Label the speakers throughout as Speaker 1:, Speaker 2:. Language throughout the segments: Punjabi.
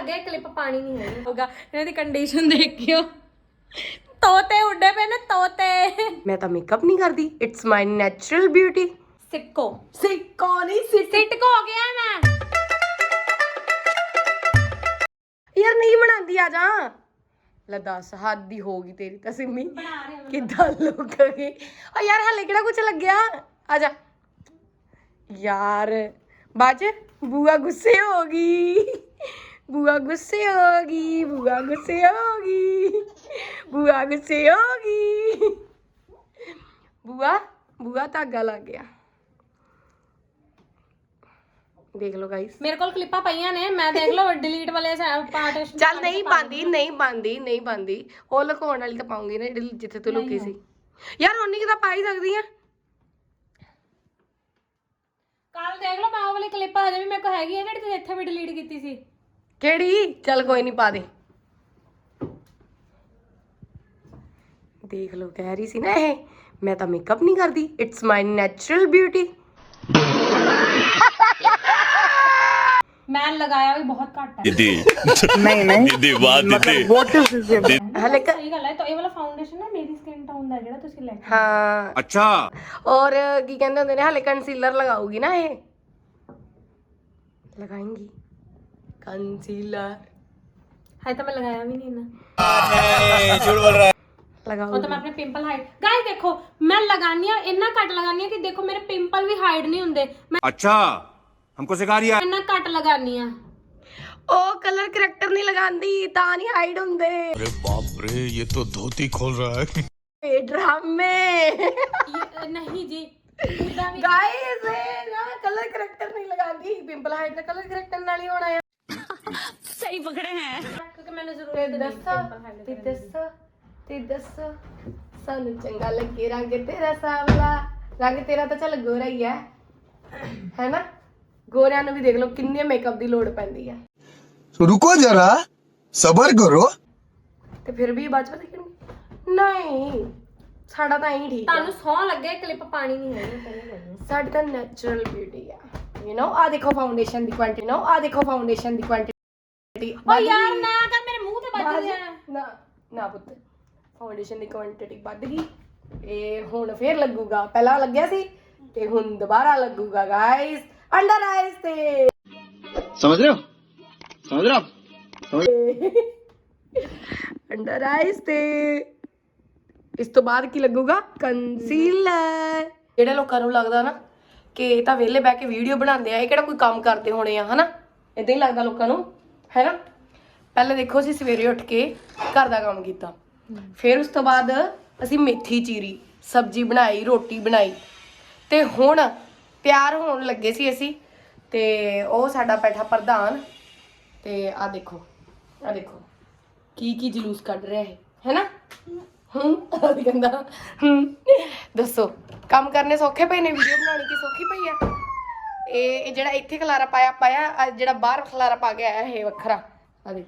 Speaker 1: ਲੱਗੇ ਕਲਿੱਪ ਪਾਣੀ ਨਹੀਂ ਹੈ ਹੋਗਾ ਇਹਨਾਂ ਦੀ ਕੰਡੀਸ਼ਨ ਦੇਖਿਓ ਤੋਤੇ ਉੱਡੇ ਪਏ ਨੇ ਤੋਤੇ
Speaker 2: ਮੈਂ ਤਾਂ ਮੇਕਅਪ ਨਹੀਂ ਕਰਦੀ ਇਟਸ ਮਾਈ ਨੈਚੁਰਲ ਬਿਊਟੀ
Speaker 1: ਸਿੱਕੋ
Speaker 2: ਨਹੀਂ
Speaker 1: ਸਿੱਟਕੋ ਹੋ ਗਿਆ ਮੈਂ
Speaker 2: ਯਾਰ ਨਹੀਂ ਬਣਾਉਂਦੀ ਆ ਜਾ ਲੈ ਦੱਸ ਹੱਦ ਦੀ ਹੋ ਗਈ ਤੇਰੀ ਤਾਂ ਸਿੰਮੀ ਕਿੱਦਾਂ ਲੁਕੇਗੀ ਓ ਯਾਰ ਹਾਲੇ ਕਿਹੜਾ ਕੁਝ ਲੱਗਿਆ ਆ ਜਾ ਯਾਰ ਬਾਜ ਬੂਆ ਗੁੱਸੇ ਹੋ ਗਈ ਬੂਆ ਗੁੱਸੇ ਹੋ ਗਈ ਬੂਆ ਗੁੱਸੇ ਹੋ ਗਈ ਬੂਆ ਗੁੱਸੇ ਹੋ ਗਈ ਬੂਆ ਧਾਗਾ ਲੱਗ ਗਿਆ ਦੇਖ ਲਓ ਗਾਇਸ
Speaker 1: ਮੇਰੇ ਕੋਲ ਕਲਿੱਪਾਂ ਪਈਆਂ ਨੇ ਮੈਂ ਦੇਖ ਲਓ ਡਿਲੀਟ ਵਾਲੇ ਪਾਰਟ
Speaker 2: ਚੱਲ ਨਹੀਂ ਪਾਉਂਦੀ ਉਹ ਲੁਕਾਉਣ ਵਾਲੀ ਤਾਂ ਪਾਉਂਗੀ ਨਾ ਜਿਹੜੀ ਜਿੱਥੇ ਤੂੰ ਲੁਕੀ ਸੀ ਯਾਰ ਉਨੀ ਕਿ ਤਾਂ ਪਾ ਹੀ ਸਕਦੀ ਆ
Speaker 1: ਕੱਲ ਦੇਖ ਲਓ ਮੈਂ ਉਹ ਵਾਲੀ ਕਲਿੱਪ ਹਜੇ ਵੀ ਮੇਰੇ ਕੋਲ ਹੈਗੀ ਹੈ ਜਿਹੜੀ ਤੁਸੀਂ ਇੱਥੇ ਵੀ ਡਿਲੀਟ ਕੀਤੀ ਸੀ
Speaker 2: ਕਿਹੜੀ ਚੱਲ ਕੋਈ ਨਹੀਂ ਪਾ ਦੇ ਦੇਖ ਲਓ ਕਹਿ ਰਹੀ ਸੀ ਨਾ ਇਹ ਮੈਂ ਤਾਂ ਮੇਕਅਪ ਨਹੀਂ ਕਰਦੀ ਇਟਸ ਮਾਈ ਨੈਚੁਰਲ ਬਿਊਟੀ
Speaker 1: ਮੈਂ ਲਗਾਇਆ ਵੀ ਬਹੁਤ ਘੱਟ ਹੈ
Speaker 3: नहीं व्हाट इज दिस
Speaker 2: ਹਲੇ
Speaker 1: ਸਹੀ ਗੱਲ ਹੈ ਤਾਂ ਇਹ ਵਾਲਾ ਫਾਊਂਡੇਸ਼ਨ ਨਾ ਮੇਰੀ ਸਕਿਨ ਟੋਨ ਦਾ ਜਿਹੜਾ ਤੁਸੀਂ ਲੈ ਕੇ
Speaker 2: ਹਾਂ
Speaker 3: अच्छा
Speaker 2: ਔਰ ਕੀ ਕਹਿੰਦੇ ਹੁੰਦੇ ਨੇ ਹਲੇ ਕੰਸੀਲਰ ਲਗਾਉਗੀ ਨਾ ਇਹ ਲਗਾਏਂਗੀ ਕੰਸੀਲਰ
Speaker 1: ਹੈ ਤਾਂ ਮੈਂ ਲਗਾਇਆ ਵੀ ਨਹੀਂ ਨਾ
Speaker 2: ਲਗਾਓ
Speaker 1: ਉਹ ਤਾਂ ਮੈਂ ਆਪਣੇ ਪਿੰਪਲ ਹਾਈਡ ਗਾਇਸ ਦੇਖੋ ਮੈਂ ਲਗਾਨੀ ਆ ਇੰਨਾ ਘੱਟ ਲਗਾਨੀ ਆ ਕਿ ਦੇਖੋ ਮੇਰੇ ਪਿੰਪਲ ਵੀ ਹਾਈਡ ਨਹੀਂ ਹੁੰਦੇ ਮੈਂ
Speaker 3: अच्छा हमको सिखा रही है
Speaker 1: ਇੰਨਾ ਘੱਟ ਲਗਾਨੀ ਆ
Speaker 2: ਉਹ ਕਲਰ ਕਰੈਕਟਰ ਨਹੀਂ ਲਗਾਉਂਦੀ ਤਾਂ ਨਹੀਂ ਹਾਈਡ ਹੁੰਦੇ
Speaker 4: अरे बाप रे ये तो धोती खोल रहा है
Speaker 2: ਇਹ ਡਰਾਮੇ
Speaker 1: ਨਹੀਂ ਜੀ ਉਦਾਂ ਵੀ
Speaker 2: ਗਾਇਸ ਇਹ ਨਾ ਕਲਰ ਕਰੈਕਟਰ ਨਹੀਂ ਲਗਾਉਂਦੀ ਪਿੰਪਲ ਹਾਈਡ ਦਾ ਕਲਰ ਕਰੈਕਟਰ ਨਾਲ ਹੀ ਹੋਣਾ ਆ
Speaker 1: ਸਹੀ ਪਕੜੇ ਹੈ ਕਿਉਂਕਿ ਮੈਨੂੰ ਜ਼ਰੂਰਤ
Speaker 2: ਤੇ
Speaker 1: ਨਹੀਂ
Speaker 2: ਦੱਸੋ ਤੇ ਦੱਸੋ ਸਾਨੂੰ ਚੰਗਾ ਲੱਗੇ ਰੰਗ ਤੇਰਾ ਸਾਵਲਾ ਰੰਗ ਤੇਰਾ ਤਾਂ ਚੱਲ ਗੋਰਾ ਹੀ ਹੈ ਨਾ ਗੋਰਿਆਂ ਨੂੰ ਵੀ ਦੇਖ ਲਓ ਕਿੰਨੇ ਮੇਕਅਪ ਦੀ ਲੋੜ ਪੈਂਦੀ ਆ
Speaker 4: रुको जरा सबर करो
Speaker 2: ਤੇ ਫਿਰ ਵੀ ਬਾਅਦ ਚ ਪਤਾ ਨਹੀਂ ਸਾਡਾ ਤਾਂ ਐਂ ਠੀਕ ਆ
Speaker 1: ਤੁਹਾਨੂੰ ਸੌਂ ਲੱਗੇ ਕਲਿੱਪ ਪਾਣੀ ਨਹੀਂ ਹੈ
Speaker 2: ਸਾਡੀ ਤਾਂ ਨੈਚੁਰਲ ਬਿਊਟੀ ਆ ਯੂ نو ਆ ਦੇਖੋ ਫਾਊਂਡੇਸ਼ਨ ਦੀ ਕੁਆਂਟੀਟੀ
Speaker 1: ਓ ਯਾਰ ਨਾ ਕਰ ਮੇਰੇ ਮੂੰਹ ਤੇ ਵੱਜ ਰਿਹਾ
Speaker 2: ਨਾ ਪੁੱਤ ਫਾਊਂਡੇਸ਼ਨ ਦੀ ਕੁਆਂਟੀਟੀ ਵੱਧ ਗਈ ਇਹ ਹੁਣ ਫੇਰ ਲੱਗੂਗਾ ਪਹਿਲਾਂ ਲੱਗਿਆ ਸੀ ਤੇ ਹੁਣ ਦੁਬਾਰਾ ਲੱਗੂਗਾ ਗਾਇਸ ਅੰਡਰ ਆਈਜ਼ ਤੇ
Speaker 3: समझ रहे हो
Speaker 2: ਅੰਡਰ ਆਈਜ਼ ਤੇ ਇਸ ਤੋਂ ਬਾਅਦ ਕੀ ਲੱਗੂਗਾ ਕੰਸੀਲਰ ਜਿਹੜੇ ਲੋਕਾਂ ਨੂੰ ਲੱਗਦਾ ਨਾ ਕਿ ਇਹ ਤਾਂ ਵਿਹਲੇ ਬਹਿ ਕੇ ਵੀਡੀਓ ਬਣਾਉਂਦੇ ਆ ਇਹ ਕਿਹੜਾ ਕੋਈ ਕੰਮ ਕਰਦੇ ਹੋਣੇ ਆ ਹਨਾ ਇਦਾਂ ਹੀ ਲੱਗਦਾ ਲੋਕਾਂ ਨੂੰ ਹੈ ਨਾ ਪਹਿਲੇ ਦੇਖੋ ਅਸੀਂ ਸਵੇਰੇ ਉੱਠ ਕੇ ਘਰ ਦਾ ਕੰਮ ਕੀਤਾ ਫਿਰ ਉਸ ਤੋਂ ਬਾਅਦ ਅਸੀਂ ਮੇਥੀ ਚੀਰੀ ਸਬਜ਼ੀ ਬਣਾਈ ਰੋਟੀ ਬਣਾਈ ਤੇ ਹੁਣ ਤਿਆਰ ਹੋਣ ਲੱਗੇ ਸੀ ਅਸੀਂ ਤੇ ਉਹ ਸਾਡਾ ਬੈਠਾ ਪ੍ਰਧਾਨ ਤੇ ਆ ਦੇਖੋ ਕੀ ਜਲੂਸ ਕੱਢ ਰਿਹਾ ਹੈ ਨਾ ਕਹਿੰਦਾ ਦੱਸੋ ਕੰਮ ਕਰਨੇ ਸੌਖੇ ਪਏ ਨੇ ਵੀਡੀਓ ਬਣਾਉਣੀ ਕੀ ਸੌਖੀ ਪਈ ਆ ਇਹ ਜਿਹੜਾ ਇੱਥੇ ਖਲਾਰਾ ਪਾਇਆ ਜਿਹੜਾ ਬਾਹਰ ਖਲਾਰਾ ਪਾ ਕੇ ਆਇਆ ਇਹ ਵੱਖਰਾ ਆ ਦੇ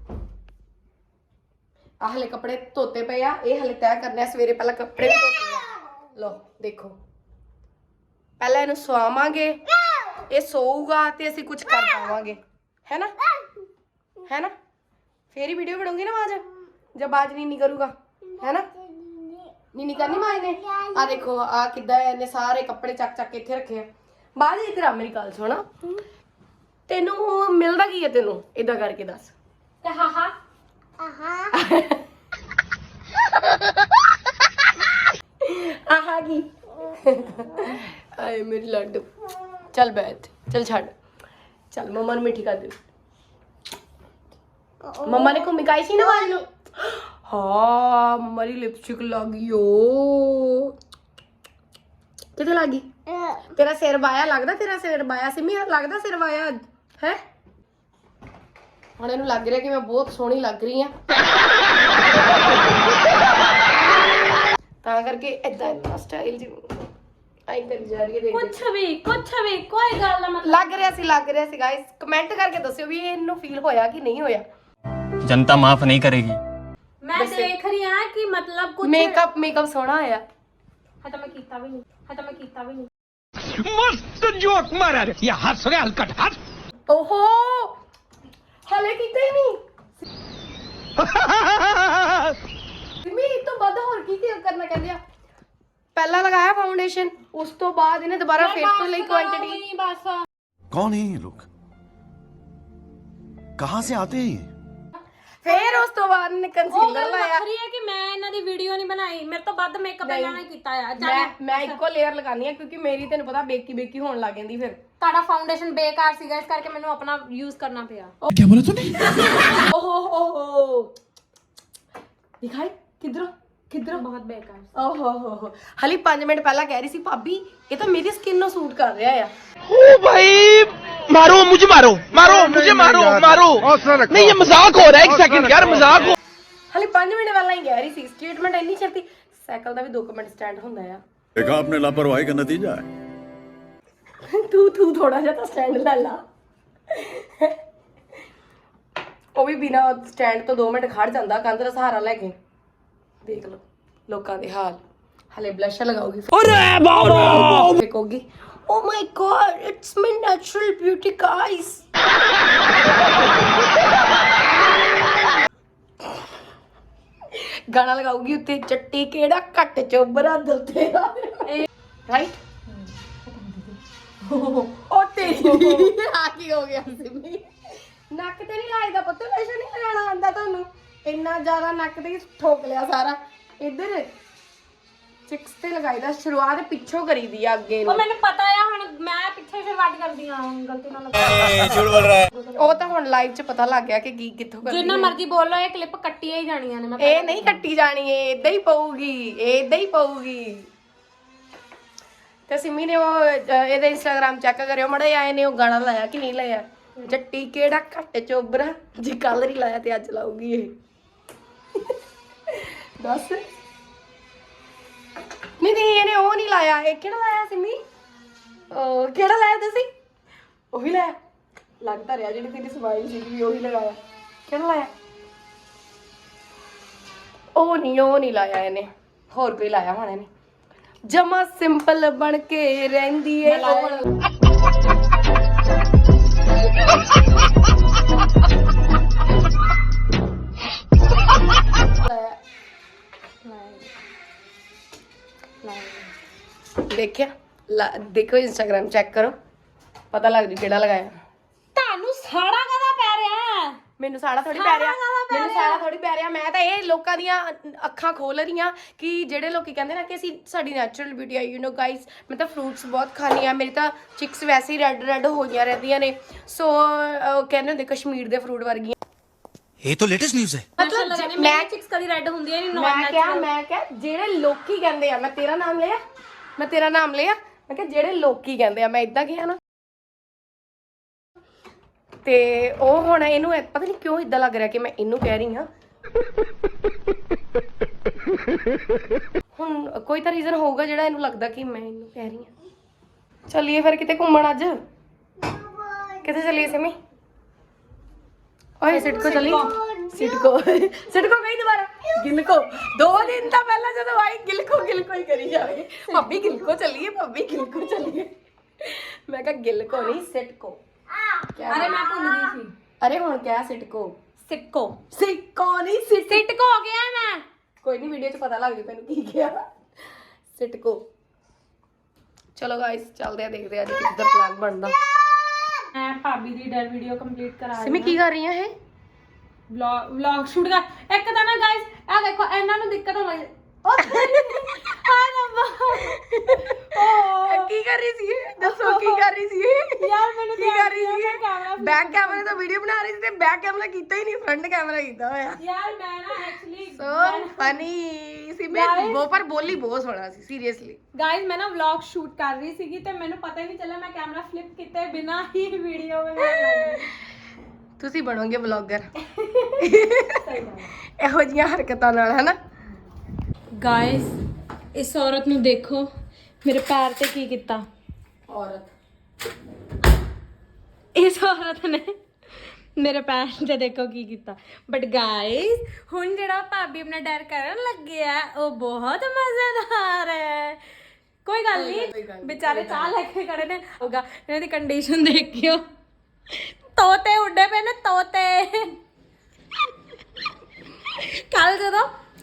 Speaker 2: ਆਹ ਹਲੇ ਕੱਪੜੇ ਧੋਤੇ ਪਏ ਆ ਇਹ ਹਲੇ ਤੈਅ ਕਰਨੇ ਆ ਸਵੇਰੇ ਪਹਿਲਾਂ ਕੱਪੜੇ ਵੀ ਧੋਤੇ ਆ ਲਓ ਦੇਖੋ ਪਹਿਲਾਂ ਇਹਨੂੰ ਸਵਾਵਾਂਗੇ ਇਹ ਸੋਊਗਾ ਤੇ ਅਸੀਂ ਕੁਝ ਕਰ ਪਾਵਾਂਗੇ ਹੈ ਨਾ ਫੇਰ ਹੀ ਵੀਡੀਓ ਬਣਾਉਂਗੀ ਨਾ ਆਵਾਜ਼ ਜਬ ਆਵਾਜ਼ ਨਹੀਂ ਕਰੂਗਾ ਹੈ ਨਾ ਨੀ ਕਰਨੀ ਮਾਂ ਨੇ ਆ ਦੇਖੋ ਆ ਕਿੱਦਾਂ ਇਹਨੇ ਸਾਰੇ ਕੱਪੜੇ ਚੱਕ ਕੇ ਇੱਥੇ ਰੱਖੇ ਆ ਬਾਅਦ ਇਧਰ ਆ ਮੇਰੀ ਗੱਲ ਸੁਣਾ ਤੈਨੂੰ ਮਿਲਦਾ ਕੀ ਹੈ ਤੈਨੂੰ ਇਦਾਂ ਕਰਕੇ ਦੱਸ
Speaker 1: ਤੇ ਹਾਂ
Speaker 2: ਆਹਾ ਕੀ ਆਏ ਮੇਰੀ ਲੱਡੂ ਚੱਲ ਬੈਠ ਚੱਲ ਛੱਡ ਚੱਲ ਮਮਾ ਨੂੰ ਮਿੱਠੀ ਕਰ ਦੇ ਮਮਾ ਨੇ ਘੁੰਮੀ ਕਾਈ ਸੀ ਨਾ ਵਾਲ ਨੂੰ ਹਾਂ ਮਰੀ ਲਿਪਸਟਿਕ ਲੱਗੀ ਓ ਕਿੱਥੇ ਲੱਗੀ ਤੇਰਾ ਸਿਰ ਵਾਇਆ ਲੱਗਦਾ ਤੇਰਾ ਸਿਰ ਵਾਇਆ ਸਿਮੀ ਲੱਗਦਾ ਸਿਰ ਵਾਇਆ ਹੈ ਹੁਣ ਇਹਨੂੰ ਲੱਗ ਰਿਹਾ ਕਿ ਮੈਂ ਬਹੁਤ ਸੋਹਣੀ ਲੱਗ ਰਹੀ ਆ ਤਾਂ ਕਰਕੇ ਏਦਾਂ ਸਟਾਈਲ ਜੀ ਆਈ ਕਰ ਜਾ ਰਹੀ ਹੈ ਦੇਖ
Speaker 1: ਕੁਛ ਵੀ ਕੋਈ ਗੱਲ ਨਾ ਮਤਲਬ
Speaker 2: ਲੱਗ ਰਿਹਾ ਸੀ ਗਾਇਸ ਕਮੈਂਟ ਕਰਕੇ ਦੱਸਿਓ ਵੀ ਇਹਨੂੰ ਫੀਲ ਹੋਇਆ ਕਿ ਨਹੀਂ ਹੋਇਆ
Speaker 5: जनता माफ नहीं करेगी
Speaker 1: ਮੈਂ ਦੇਖ ਰਹੀ ਹਾਂ ਕਿ ਮਤਲਬ ਕੁਝ
Speaker 2: ਮੇਕਅਪ ਸੋਹਣਾ ਆਇਆ
Speaker 1: ਹੈ ਤਾਂ ਮੈਂ ਕੀਤਾ ਵੀ ਨਹੀਂ
Speaker 4: मस्त जोक मारा रे ये हंस रहे हलकट हंस
Speaker 2: ਓਹੋ ਹਲੇ ਹਲੇ ਕੀਤਾ ਹੀ ਨਹੀਂ ਸਿਮੀ ਇਹ ਤੋਂ ਵੱਧ ਹੋਰ ਕੀ ਕਰਨਾ ਕਹਿੰਦੇ ਆ ਪਹਿਲਾਂ ਲਗਾਇਆ ਫਾਊਂਡੇਸ਼ਨ ਉਸ ਤੋਂ ਬਾਅਦ ਇਹਨੇ ਦੁਬਾਰਾ ਫਿਰ ਤੋਂ ਲਈ ਕੁਆਂਟੀਟੀ
Speaker 1: ਬਸ
Speaker 3: कौन है ये लोग कहाँ से आते हैं ये
Speaker 2: ਫਿਰ ਉਸ ਤੋਂ ਬਾਅਦ ਇਹਨੇ
Speaker 1: ਉਹ
Speaker 2: ਕੰਸੀਲਰ
Speaker 1: ਗੱਲ
Speaker 2: ਲਾਇਆ
Speaker 1: ਵੱਖਰੀ ਹੈ ਕਿ ਮੈਂ ਇਹਨਾਂ ਦੀ ਵੀਡੀਓ ਨਹੀਂ ਬਣਾਈ ਮੇਰੇ ਤੋਂ ਵੱਧ ਮੇਕਅਪ ਇਹਨਾਂ ਨੇ ਕੀਤਾ ਆ
Speaker 2: ਮੈਂ ਇੱਕੋ ਲੇਅਰ ਲਗਾਨੀ ਆ ਕਿਉਂਕਿ ਮੇਰੀ ਤੈਨੂੰ ਪਤਾ ਬੇਕੀ ਹੋਣ ਲੱਗ ਜਾਂਦੀ ਫਿਰ
Speaker 1: ਤੁਹਾਡਾ ਫਾਊਂਡੇਸ਼ਨ ਬੇਕਾਰ ਸੀਗਾ ਇਸ ਕਰਕੇ ਮੈਨੂੰ ਆਪਣਾ ਯੂਜ਼ ਕਰਨਾ ਪਿਆ
Speaker 2: ਓਹੋ ਦਿਖਾਈ ਕਿਧਰੋਂ
Speaker 1: ਬਹੁਤ ਬੇਕਾਰ
Speaker 2: ਓਹੋ ਹਲੀ 5 ਮਿੰਟ ਪਹਿਲਾਂ ਕਹਿ ਰਹੀ ਸੀ ਭਾਬੀ ਇਹ ਤਾਂ ਮੇਰੀ ਸਕਿਨ ਨੂੰ ਸੂਟ ਕਰ ਰਿਹਾ ਆ
Speaker 6: ओ भाई मारो मुझे मारो नहीं ये मजाक हो रहा है एक सेकंड यार मजाक हो
Speaker 2: ਹਲੀ 5 ਮਿੰਟ ਪਹਿਲਾਂ ਹੀ ਕਹਿ ਰਹੀ ਸੀ ਸਟੇਟਮੈਂਟ ਇੰਨੀ ਛੇਤੀ ਸਾਈਕਲ ਦਾ ਵੀ 2 ਮਿੰਟ ਸਟੈਂਡ ਹੁੰਦਾ ਆ
Speaker 3: देखा आपने लापरवाही का नतीजा है
Speaker 2: ਤੂੰ ਥੋੜਾ ਜਿਹਾ ਤਾਂ ਸਟੈਂਡ ਲੈ ਲਾ ਉਹ ਵੀ ਬਿਨਾ ਸਟੈਂਡ ਤੋਂ 2 ਮਿੰਟ ਖੜ ਜਾਂਦਾ ਕੰਧ ਦਾ ਸਹਾਰਾ ਲੈ ਕੇ ਦੇਖ ਲਓ ਲੋਕਾਂ ਦੇ ਹਾਲ ਹਲੇ ਬਲਸ਼ ਲਗਾਉਗੀ ਅਰੇ ਬਾਬਾ ਦੇਖੋਗੀ oh my God it's my natural beauty guys ਗਾਣਾ ਲਗਾਉਗੀ ਉੱਤੇ ਚੱਟੀ ਕਿਹੜਾ ਘੱਟ ਚੋਬਰਾ ਦਿਲ ਤੇਰਾ ਰਾਈਟ ਉਹ ਤੇਰੀ ਆ ਕੀ ਹੋ ਗਿਆ ਸਿਮੀ ਨੱਕ ਤੇ ਨਹੀਂ ਲਾਇਦਾ ਪੁੱਤ ਵੈਸੇ ਨਹੀਂ ਲਗਾਉਣਾ ਆਂਦਾ ਤੁਹਾਨੂੰ ਇੰਨਾ ਜ਼ਿਆਦਾ ਨੱਕ ਤੇ ਹੀ ਠੋਕ ਲਿਆ ਸਾਰਾ ਇੱਧਰ ਚਿਕਸ ਤੇ ਲਗਾਈਦਾ ਸ਼ੁਰੂਆਤ ਪਿੱਛੋਂ ਕਰੀਦੀ ਆ ਅੱਗੇ
Speaker 1: ਉਹ
Speaker 2: ਨੂੰ
Speaker 1: ਮੈਨੂੰ ਪਤਾ ਆ ਹੁਣ ਮੈਂ ਪਿੱਛੇ ਸ਼ੁਰੂਆਤ ਕਰਦੀ ਆ ਗਲਤੀ ਨਾਲ ਲਗਾ
Speaker 2: ਉਹ ਤਾਂ ਹੁਣ ਲਾਈਵ 'ਚ ਪਤਾ ਲੱਗ ਗਿਆ ਕਿ ਕੀ ਕਿੱਥੋਂ ਕਰਦੀ
Speaker 1: ਜਿੰਨਾ ਮਰਜ਼ੀ ਬੋਲ ਲਓ ਇਹ ਕਲਿੱਪ ਕੱਟੀਆਂ ਹੀ ਜਾਣੀਆਂ ਨੇ ਮੈਂ
Speaker 2: ਇਹ ਨਹੀਂ ਕੱਟੀ ਜਾਣੀ ਏ ਇਦਾਂ ਹੀ ਪਊਗੀ ਤੇ ਸਿਮੀ ਨੇ ਉਹ ਇਹਦੇ ਇੰਸਟਾਗ੍ਰਾਮ ਚੈੱਕ ਕਰਿਓ ਮੜੇ ਆਏ ਨੇ ਉਹ ਗਾਣਾ ਲਾਇਆ ਕਿ ਨਹੀਂ ਲਾਇਆ ਜੱਟੀ ਕਿਹੜਾ ਘੱਟ ਚੋਬਰਾ ਜੀ ਕੱਲ ਨਹੀਂ ਲਾਇਆ ਤੇ ਅੱਜ ਲਾਊਗੀ ਇਹ ਦੱਸ ਨਹੀਂ ਇਹਨੇ ਉਹ ਨਹੀਂ ਲਾਇਆ ਇਹ ਕਿਹੜਾ ਲਾਇਆ ਸਿਮੀ ਉਹ ਕਿਹੜਾ ਲਾਇਆ ਤੁਸੀਂ ਉਹੀ ਲਾਇਆ ਲੱਗਦਾ ਰਿਹਾ ਜਿਹੜੀ ਤੇਰੀ ਸਮਾਈਲ ਸੀ ਵੀ ਉਹੀ ਲਗਾਇਆ ਕਿਹੜਾ ਲਾਇਆ ਉਹ ਨਹੀਂ ਲਾਇਆ ਇਹਨੇ ਹੋਰ ਕੋਈ ਲਾਇਆ ਹੋਣਾ ਇਹਨੇ ਜਮਾ ਸਿੰਪਲ ਬਣ ਕੇ ਰਹਿੰਦੀ ਏ ਦੇਖਿਆ ਦੇਖੋ ਇੰਸਟਾਗ੍ਰਾਮ ਚੈੱਕ ਕਰੋ ਪਤਾ ਲੱਗ ਜੂ ਕਿਹੜਾ ਲਗਾਇਆ
Speaker 1: ਤੁਹਾਨੂੰ ਸਾੜਾ ਕਦਾ ਪੈ ਰਿਹਾ
Speaker 2: ਮੈਨੂੰ ਸਾੜਾ ਥੋੜੀ ਪੈ ਰਿਹਾ ਮੈਂ ਤਾਂ ਇਹ ਲੋਕਾਂ ਦੀਆਂ ਅੱਖਾਂ ਖੋਲ ਰਹੀਆਂ ਕਿ ਜਿਹੜੇ ਲੋਕੀ ਕਹਿੰਦੇ ਨਾ ਕਿ ਅਸੀਂ ਸਾਡੀ ਨੈਚੁਰਲ ਬਿਊਟੀ ਆ ਯੂ نو ਗਾਇਸ ਮੈਂ ਤਾਂ ਫਰੂਟਸ ਬਹੁਤ ਖਾਣੀ ਆ ਮੇਰੀ ਤਾਂ ਚਿਕਸ ਵੈਸੇ ਹੀ ਰੈੱਡ ਹੋਈਆਂ ਰਹਿੰਦੀਆਂ ਨੇ ਸੋ ਕਹਿੰਦੇ ਹੁੰਦੇ ਕਸ਼ਮੀਰ ਦੇ ਫਰੂਟ ਵਰਗੀਆਂ
Speaker 3: ये तो लेटेस्ट न्यूज है
Speaker 1: ਮਤਲਬ ਮੈਂ ਚਿਕਸ ਕਦੀ ਰੈੱਡ ਹੁੰਦੀ ਹੈ ਨਹੀਂ
Speaker 2: ਮੈਂ ਕਿਹਾ ਜਿਹੜੇ ਲੋਕੀ ਕਹਿੰਦੇ ਆ ਮੈਂ ਤੇਰਾ ਨਾਮ ਲਿਆ ਮੈਂ ਕਿਹਾ ਜਿਹੜੇ ਲੋਕੀ ਕਹਿੰਦੇ ਆ ਮੈਂ ਇਦਾਂ ਕਿਹਾ ਨਾ ਤੇ ਉਹ ਹੁਣ ਇਹਨੂੰ ਪਤਾ ਨਹੀਂ ਕਿਉਂ ਇਦਾਂ ਲੱਗ ਰਿਹਾ ਕਿ ਮੈਂ ਇਹਨੂੰ ਕਹਿ ਰਹੀ ਹਾਂ ਹੁਣ ਕੋਈ ਤਾਂ ਰੀਜ਼ਨ ਹੋਊਗਾ ਜਿਹੜਾ ਇਹਨੂੰ ਲੱਗਦਾ ਕਿ ਮੈਂ ਇਹਨੂੰ ਕਹਿ ਰਹੀ ਹਾਂ ਚੱਲੀਏ ਫਿਰ ਕਿਤੇ ਘੁੰਮਣ ਅੱਜ ਕਿੱਥੇ ਚੱਲੀਏ ਸਿਮੀ ਓਏ ਸਿਟਕੋ ਚੱਲੀ ਸਿਟਕੋ ਕਹੀ ਦੁਬਾਰਾ ਗਿਲਕੋ 2 ਦਿਨ ਤਾਂ ਪਹਿਲਾਂ ਜਦੋਂ ਆਈ ਗਿਲਕੋ ਹੀ ਕਰੀ ਜਾਵੇ ਭਾਬੀ ਗਿਲਕੋ ਚੱਲੀਏ ਮੈਂ ਕਿਹਾ ਗਿਲਕੋ ਨਹੀਂ ਸਿਟਕੋ
Speaker 1: ਅਰੇ ਮੈਂ ਭੁੱਲ ਗਈ ਸੀ
Speaker 2: ਅਰੇ ਹੁਣ ਕਿਆ ਸਿਟਕੋ ਨਹੀਂ
Speaker 1: ਸਿਟਕੋ ਹੋ ਗਿਆ ਮੈਂ
Speaker 2: ਕੋਈ ਨਹੀਂ ਵੀਡੀਓ 'ਚ ਪਤਾ ਲੱਗ ਜੂ ਤੈਨੂੰ ਕੀ ਕਿਹਾ ਸਿਟਕੋ ਚਲੋ ਗਾਇਸ ਚੱਲਦੇ ਆ ਦੇਖਦੇ ਆ ਅੱਜ ਕਿੱਦਾਂ ਪਲਾਨ ਬਣਦਾ
Speaker 1: ਮੈਂ ਭਾਬੀ ਦੀ ਡਰ ਵੀਡੀਓ ਕੰਪਲੀਟ ਕਰਾ ਰਹੀ
Speaker 2: ਸਿਮੀ ਕੀ ਕਰ ਰਹੀ ਆ ਇਹ
Speaker 1: ਵਲੌਗ ਸ਼ੂਟ ਕਰ ਇੱਕ ਤਾਂ ਨਾ ਗਾਇਸ ਆ ਦੇਖੋ ਇਹਨਾਂ ਨੂੰ ਦਿੱਕਤ ਹੋ ਰਹੀ ਹਾਏ ਰੱਬਾ
Speaker 2: ਕੀ ਕਰ ਰਹੀ ਸੀ ਇਹ? ਦੱਸੋ ਕੀ ਕਰ ਰਹੀ ਸੀ ਇਹ?
Speaker 1: ਯਾਰ ਮੈਨੂੰ
Speaker 2: ਕੀ ਕਰ ਰਹੀ ਸੀ
Speaker 1: ਕੈਮਰਾ
Speaker 2: ਬੈਕ ਕੈਮਰੇ ਤੋਂ ਵੀਡੀਓ ਬਣਾ ਰਹੀ ਸੀ ਤੇ ਬੈਕ ਕੈਮਰਾ ਕੀਤਾ ਹੀ ਨਹੀਂ ਫਰੰਟ ਕੈਮਰਾ ਕੀਤਾ ਹੋਇਆ
Speaker 1: ਯਾਰ ਮੈਂ ਨਾ ਐਕਚੁਅਲੀ
Speaker 2: ਸੋ ਫਨੀ ਸੀ ਮੈਂ ਉਹ ਪਰ ਬੋਲੀ ਬਹੁਤ ਸੋਹਣਾ ਸੀ ਸੀਰੀਅਸਲੀ
Speaker 1: ਗਾਇਸ ਮੈਂ ਨਾ ਵਲੌਗ ਸ਼ੂਟ ਕਰ ਰਹੀ ਸੀਗੀ ਤੇ ਮੈਨੂੰ ਪਤਾ ਹੀ ਨਹੀਂ ਚੱਲਿਆ ਮੈਂ ਕੈਮਰਾ ਫਲਿਪ ਕੀਤੇ ਬਿਨਾ ਹੀ ਵੀਡੀਓ ਬਣਾ ਲਈ
Speaker 2: ਤੁਸੀਂ ਬਣੋਗੇ ਵਲੌਗਰ ਇਹੋ ਜਿਹੀਆਂ ਹਰਕਤਾਂ ਨਾਲ ਹਨਾ
Speaker 1: ਗਾਇਸ ਇਸ ਔਰਤ ਨੂੰ ਦੇਖੋ ਮੇਰੇ ਪੈਰ ਤੇ ਕੀ ਕੀਤਾ ਇਸ ਔਰਤ ਨੇ ਮੇਰੇ ਪੈਰ ਤੇ ਦੇਖੋ ਕੀ ਕੀਤਾ ਬਟ ਗਾਇਸ ਹੁਣ ਜਿਹੜਾ ਭਾਬੀ ਆਪਣਾ ਡਰ ਕਰਨ ਲੱਗੇ ਆ ਉਹ ਬਹੁਤ ਮਜ਼ੇਦਾਰ ਹੈ ਕੋਈ ਗੱਲ ਨਹੀਂ ਵਿਚਾਰੇ ਚਾਹ ਲੈ ਕੇ ਖੜੇ ਨੇ ਹੋਗਾ ਇਹਨਾਂ ਦੀ ਕੰਡੀਸ਼ਨ ਦੇਖਿਓ ਤੋਤੇ ਉੱਡੇ ਪਏ ਨੇ ਤੋਤੇ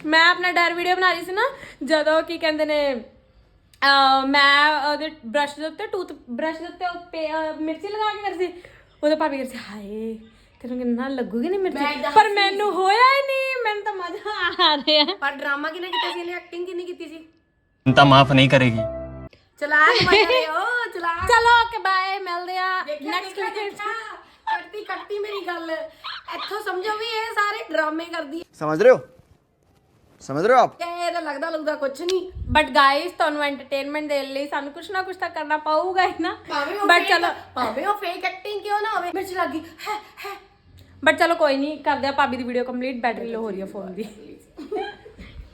Speaker 1: ਮੈਂ ਆਪਣਾ ਡਰ ਵੀਡੀਓ ਬਣਾ ਰਹੀ ਸੀ ਨਾ, ਜਦੋਂ ਕੀ ਕਹਿੰਦੇ ਨੇ ਮੈਂ ਉਹਦੇ ਬ੍ਰਸ਼ ਦੇ ਉੱਤੇ ਬ੍ਰਸ਼ ਦੇ ਉੱਤੇ ਮਿਰਚੀ ਲਗਾ ਕੇ ਕਰਦੀ, ਉਹਦੇ ਭਾਬੀ ਕਹਿੰਦੇ ਹਾਏ ਤੈਨੂੰ ਕਿੰਨਾ ਲੱਗੂਗੀ ਨਹੀਂ ਮਿਰਚੀ, ਪਰ ਮੈਨੂੰ ਹੋਇਆ ਹੀ ਨਹੀਂ, ਮੈਨੂੰ ਤਾਂ ਮਜ਼ਾ ਆ ਰਿਹਾ।
Speaker 2: ਪਰ ਡਰਾਮਾ ਕਿਹਨੇ ਕੀਤਾ ਸੀ, ਇਹਨੇ ਐਕਟਿੰਗ ਕਿੰਨੀ ਕੀਤੀ ਸੀ?
Speaker 5: जनता माफ नहीं करेगी।
Speaker 2: ਚਲਾਕ ਮਜ਼ੇ ਓ ਚਲਾਕ।
Speaker 1: ਚਲੋ ਓਕੇ ਬਾਏ, ਮਿਲਦੇ ਆ ਨੈਕਸਟ ਵੀਡੀਓ।
Speaker 2: ਕੱਟਤੀ ਮੇਰੀ ਗੱਲ, ਇੱਥੋਂ ਸਮਝੋ ਵੀ ਇਹ ਸਾਰੇ ਡਰਾਮੇ ਕਰਦੀ ਹੈ।
Speaker 7: समझ रहे हो आप?
Speaker 2: ਇਹ ਤਾਂ ਲੱਗਦਾ ਕੁਝ ਨਹੀਂ।
Speaker 1: ਬਟ ਗਾਇਸ ਤੁਹਾਨੂੰ ਐਂਟਰਟੇਨਮੈਂਟ ਦੇਣ ਲਈ ਸਾਨੂੰ ਕੁਛ ਨਾ ਕੁਛ ਤਾਂ ਕਰਨਾ ਪਊਗਾ ਹੀ ਨਾ। ਬਟ ਚਲੋ
Speaker 2: ਭਾਵੇਂ ਉਹ ਫੇਕ ਐਕਟਿੰਗ ਕਿਉਂ ਨਾ ਹੋਵੇ, ਮਿਰਚ ਲੱਗੀ ਹੈ।
Speaker 1: ਬਟ ਚਲੋ ਕੋਈ ਨਹੀਂ, ਕਰਦੇ ਆ ਭਾਬੀ ਦੀ ਵੀਡੀਓ ਕੰਪਲੀਟ, ਬੈਟਰੀ ਲੋ ਹੋ ਰਹੀ ਹੈ ਫੋਨ ਦੀ।